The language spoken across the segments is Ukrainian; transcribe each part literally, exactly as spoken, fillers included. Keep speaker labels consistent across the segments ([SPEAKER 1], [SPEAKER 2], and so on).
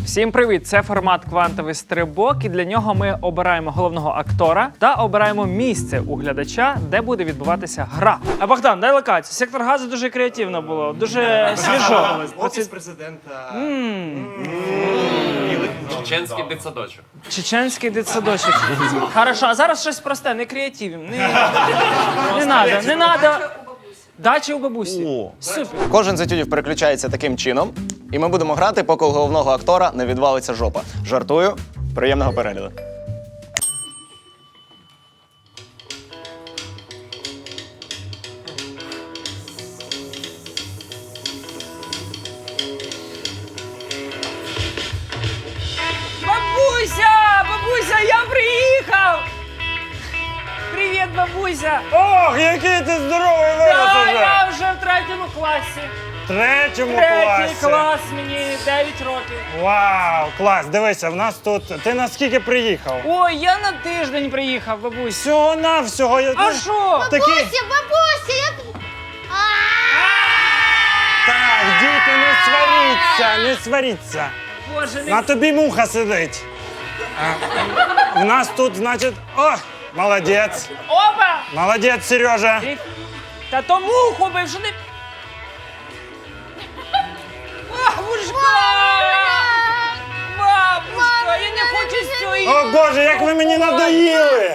[SPEAKER 1] Всім привіт! Це формат «Квантовий стрибок», і для нього ми обираємо головного актора та обираємо місце у глядача, де буде відбуватися гра. А Богдан, дай локацію. Сектор газу дуже креативно було, дуже свіжо.
[SPEAKER 2] Офіс президента.
[SPEAKER 3] Чеченський дитсадочок.
[SPEAKER 1] Чеченський дитсадочок. Хорошо, а зараз щось просте, не креативім. Не, не надо, не надо. Дача у бабусі.
[SPEAKER 2] О.
[SPEAKER 1] Супер.
[SPEAKER 4] Кожен з етюдів переключається таким чином, і ми будемо грати, поки у головного актора не відвалиться жопа. Жартую. Приємного перегляду.
[SPEAKER 1] Бабуся! Бабуся, я приїхав! Привіт, бабуся!
[SPEAKER 2] Ох, який ти здоровий вирос
[SPEAKER 1] Да,
[SPEAKER 2] уже!
[SPEAKER 1] я вже в третьому класі.
[SPEAKER 2] В третьому
[SPEAKER 1] Третій
[SPEAKER 2] класі.
[SPEAKER 1] клас, мені дев'ять років.
[SPEAKER 2] Вау, клас, дивися, в нас тут. Ти наскільки приїхав?
[SPEAKER 1] Ой, я на тиждень приїхав, бабусь.
[SPEAKER 2] Всього навсього. я-
[SPEAKER 1] А
[SPEAKER 2] ну,
[SPEAKER 1] що?
[SPEAKER 2] Такі...
[SPEAKER 5] Бабуся, бабуся, як...
[SPEAKER 2] Так, діти, не сваріться, не сваріться.
[SPEAKER 1] Боже,
[SPEAKER 2] На
[SPEAKER 1] не...
[SPEAKER 2] тобі муха сидить. А, в нас тут, значить. О, молодець.
[SPEAKER 1] Опа!
[SPEAKER 2] Молодець, Сережа.
[SPEAKER 1] Ти- Та то муху бив, що не... Бабушка! Бабушка, я не хочу з цього...
[SPEAKER 2] О Боже, як ви мені надоїли!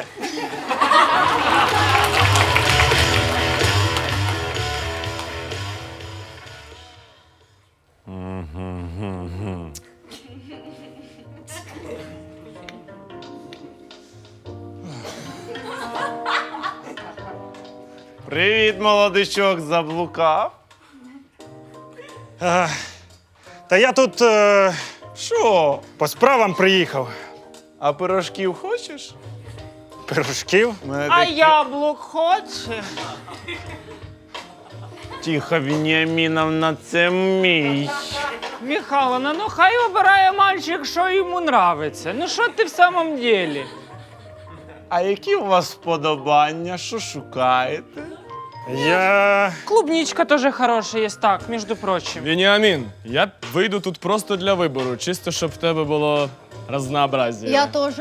[SPEAKER 6] Привіт, молодичок, заблукав.
[SPEAKER 2] Е, Та я тут е,
[SPEAKER 6] Що?
[SPEAKER 2] по справам приїхав.
[SPEAKER 6] А пирожків хочеш?
[SPEAKER 2] Пирожків.
[SPEAKER 6] У мене
[SPEAKER 1] А
[SPEAKER 6] такі-
[SPEAKER 1] яблук хоче?
[SPEAKER 6] Тихо, Веніаміновна, це мій.
[SPEAKER 1] Михайловна, ну хай обирає мальчик, що йому нравиться. Ну що ти в самом деле?
[SPEAKER 6] А які у вас вподобання? Що шукаєте?
[SPEAKER 2] Я.
[SPEAKER 1] Клубничка тоже хорошая есть, так, между прочим.
[SPEAKER 7] Веніамін, я вийду тут просто для вибору, чисто щоб в тебе було разнообразія.
[SPEAKER 5] Я теж.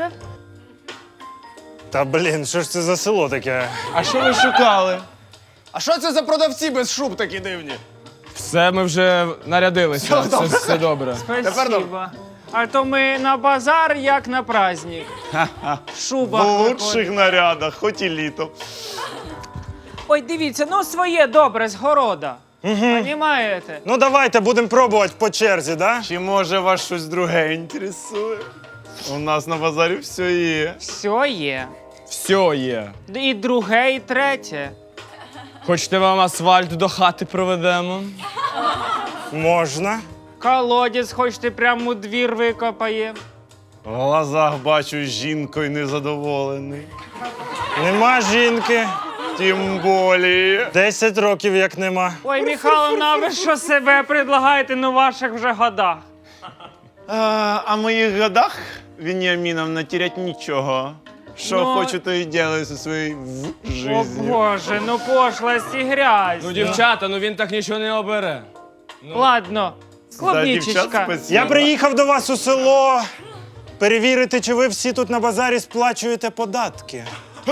[SPEAKER 2] Та блін, що ж це за село таке?
[SPEAKER 6] А що ви шукали?
[SPEAKER 4] А що це за продавці без шуб такі дивні?
[SPEAKER 7] Все, ми вже нарядилися, все, все, все добре.
[SPEAKER 1] Спасибо. А то ми на базар, як на праздник. Шуба.
[SPEAKER 6] В лучших нарядах, хоч і літо.
[SPEAKER 1] Ой, дивіться, ну своє добре, з города. Понімаєте?
[SPEAKER 2] Ну давайте будемо пробувати по черзі, да?
[SPEAKER 6] Чи може вас щось друге інтересує? У нас на базарі все є.
[SPEAKER 1] Все є.
[SPEAKER 7] Все є.
[SPEAKER 1] І друге, і третє.
[SPEAKER 7] Хочете вам асфальт до хати проведемо?
[SPEAKER 2] Можна.
[SPEAKER 1] Колодязь, хочете прямо у двір викопає.
[SPEAKER 6] В глазах бачу, жінкою незадоволений.
[SPEAKER 2] Нема жінки.
[SPEAKER 6] Тим болі.
[SPEAKER 2] Десять років як нема.
[SPEAKER 1] Ой, Михайловна, ви що себе предлагаєте на ваших вже годах?
[SPEAKER 6] А, а в моїх годах, Веніаміновна, терять нічого. Що
[SPEAKER 1] Ну,
[SPEAKER 6] хочу, то і делаю зі своєю в-
[SPEAKER 1] О
[SPEAKER 6] жизнью.
[SPEAKER 1] боже, ну пошлость і грязь.
[SPEAKER 7] Ну, дівчата, ну він так нічого не обере.
[SPEAKER 1] Ладно,
[SPEAKER 6] Да, дівчат,
[SPEAKER 1] клубничечка.
[SPEAKER 6] спасибо.
[SPEAKER 2] Я приїхав до вас у село перевірити, чи ви всі тут на базарі сплачуєте податки.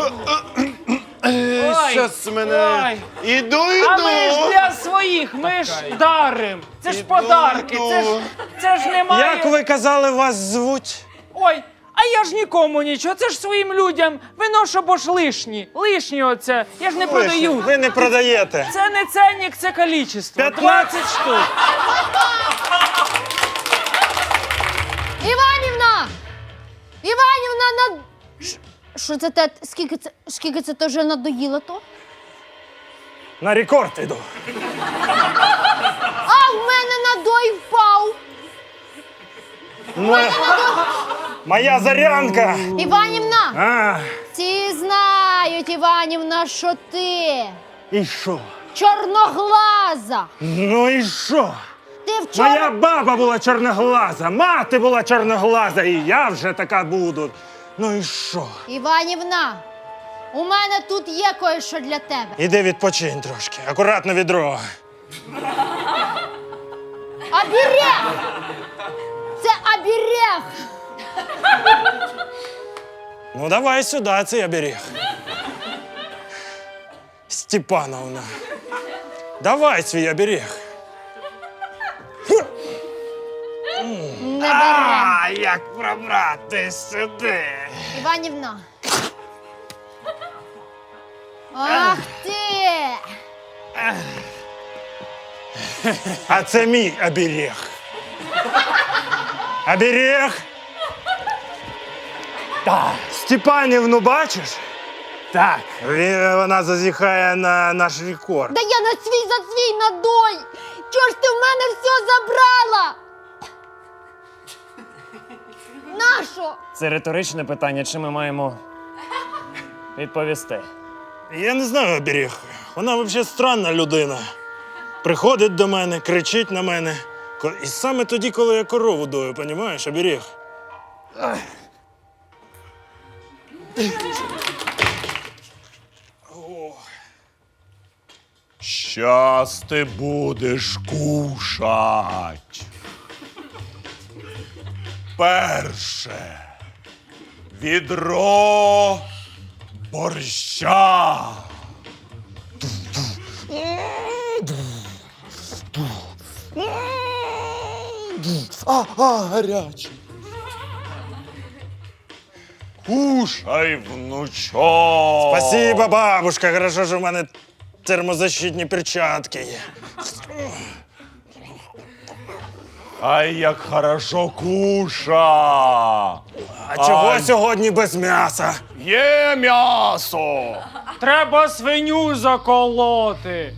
[SPEAKER 1] Ой,
[SPEAKER 6] Щас мене.
[SPEAKER 1] ой.
[SPEAKER 6] Іду,
[SPEAKER 1] А ми ж
[SPEAKER 6] іду.
[SPEAKER 1] для своїх, ми ж дарим. Це ж
[SPEAKER 6] Іду,
[SPEAKER 1] подарки,
[SPEAKER 6] іду.
[SPEAKER 1] це ж, це ж немає.
[SPEAKER 2] Як ви казали, вас звуть?
[SPEAKER 1] Ой, а я ж нікому нічого, це ж своїм людям. Виношу, бо ж лишні. Лишні оце. Я ж не продаю.
[SPEAKER 2] Ви не продаєте.
[SPEAKER 1] Це не ценник, це кількість. двадцять штук.
[SPEAKER 5] Іванівна! Іванівна, над... Ш- Що це те? Скільки це, скільки це теж надоїло то?
[SPEAKER 2] На рекорд іду.
[SPEAKER 5] А в мене надой впав!
[SPEAKER 2] Моя, моя зарянка.
[SPEAKER 5] Іванівна!
[SPEAKER 2] А,
[SPEAKER 5] Всі знають, Іванівна, що ти
[SPEAKER 2] і що?
[SPEAKER 5] чорноглаза!
[SPEAKER 2] Ну і що?
[SPEAKER 5] Ти вчора...
[SPEAKER 2] Моя баба була чорноглаза, мати була чорноглаза, і я вже така буду. Ну і що?
[SPEAKER 5] Іванівна, у мене тут є кое-що для тебе.
[SPEAKER 2] Іди відпочинь трошки, акуратно відро.
[SPEAKER 5] Оберег! Це оберег!
[SPEAKER 2] Ну, давай сюди цей оберіг. Степановна, давай свій оберіг.
[SPEAKER 5] Не бере.
[SPEAKER 2] А, як пробрати сюди?
[SPEAKER 5] Іванівна. Ах ти!
[SPEAKER 2] А це мій оберіг. Оберіг. Так. Степанівну бачиш? Так. Він- Вона зазіхає на наш рекорд.
[SPEAKER 5] Да я на свій за свій надой! Чого ж ти в мене все забрала? Нащо?
[SPEAKER 8] Це риторичне питання, чи ми маємо відповісти?
[SPEAKER 2] Я не знаю оберіг. Вона взагалі странна людина. Приходить до мене, кричить на мене. Ко- І саме тоді, коли я корову дою, понімаєш, оберіг.
[SPEAKER 6] Щас ти будеш кушать. Перше. Відро борща. А, а, гарячий. Кушай, внучок.
[SPEAKER 2] Спасибо, бабушка. Хорошо, що в мене термозащитні перчатки є.
[SPEAKER 6] Ай, як хорошо куша.
[SPEAKER 2] А чого
[SPEAKER 6] Ай.
[SPEAKER 2] сьогодні без м'яса?
[SPEAKER 6] Є м'ясо.
[SPEAKER 1] Треба свиню заколоти.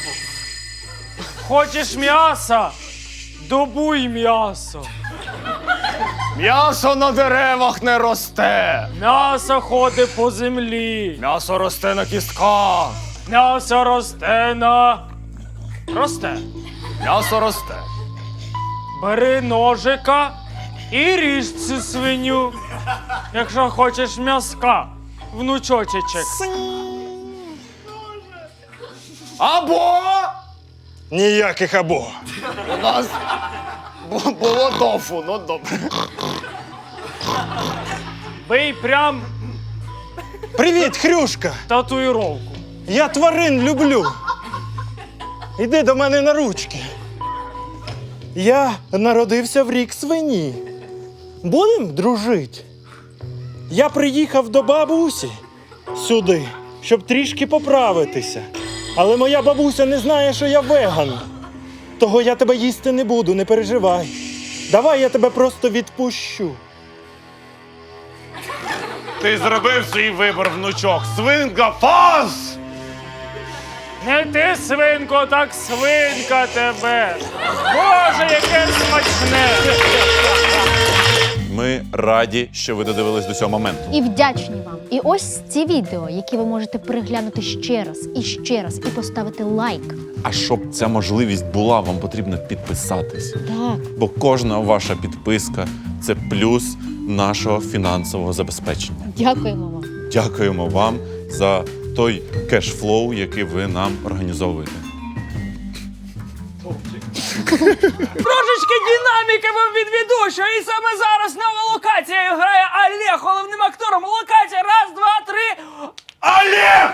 [SPEAKER 1] Хочеш м'яса? Добуй м'ясо.
[SPEAKER 6] М'ясо на деревах не росте.
[SPEAKER 1] М'ясо ходить по землі.
[SPEAKER 6] М'ясо росте на кістках.
[SPEAKER 1] М'ясо росте на. Росте.
[SPEAKER 6] М'ясо росте.
[SPEAKER 1] Бери ножика і ріж цю свиню. Якщо хочеш м'яска, внучочечек.
[SPEAKER 6] Або
[SPEAKER 2] Ніяких або.
[SPEAKER 6] у нас бу- було тофу, ну добре.
[SPEAKER 1] Бий прям
[SPEAKER 2] Привіт, Хрюшка!
[SPEAKER 1] татуїровку.
[SPEAKER 2] Я тварин люблю. Іди до мене на ручки. Я народився в рік свині. Будем дружити? Я приїхав до бабусі сюди, щоб трішки поправитися. Але моя бабуся не знає, що я веган. Того я тебе їсти не буду, не переживай. Давай я тебе просто відпущу.
[SPEAKER 6] Ти зробив свій вибір, внучок. Свинка фас!
[SPEAKER 1] Не ти, свинко, так свинка тебе. Боже, яке смачне.
[SPEAKER 9] Ми раді, що ви додивились до цього моменту.
[SPEAKER 5] І вдячні вам. І ось ці відео, які ви можете переглянути ще раз і ще раз, і поставити лайк.
[SPEAKER 9] А щоб ця можливість була, вам потрібно підписатись.
[SPEAKER 5] Так.
[SPEAKER 9] Бо кожна ваша підписка це плюс нашого фінансового забезпечення.
[SPEAKER 5] Дякуємо вам.
[SPEAKER 9] Дякуємо вам за той кешфлоу, який ви нам організовуєте.
[SPEAKER 1] Трошечки динаміки вам від ведучого. І саме зараз нова локація грає Олег головним актором. Локація раз, два, три.
[SPEAKER 6] Олег!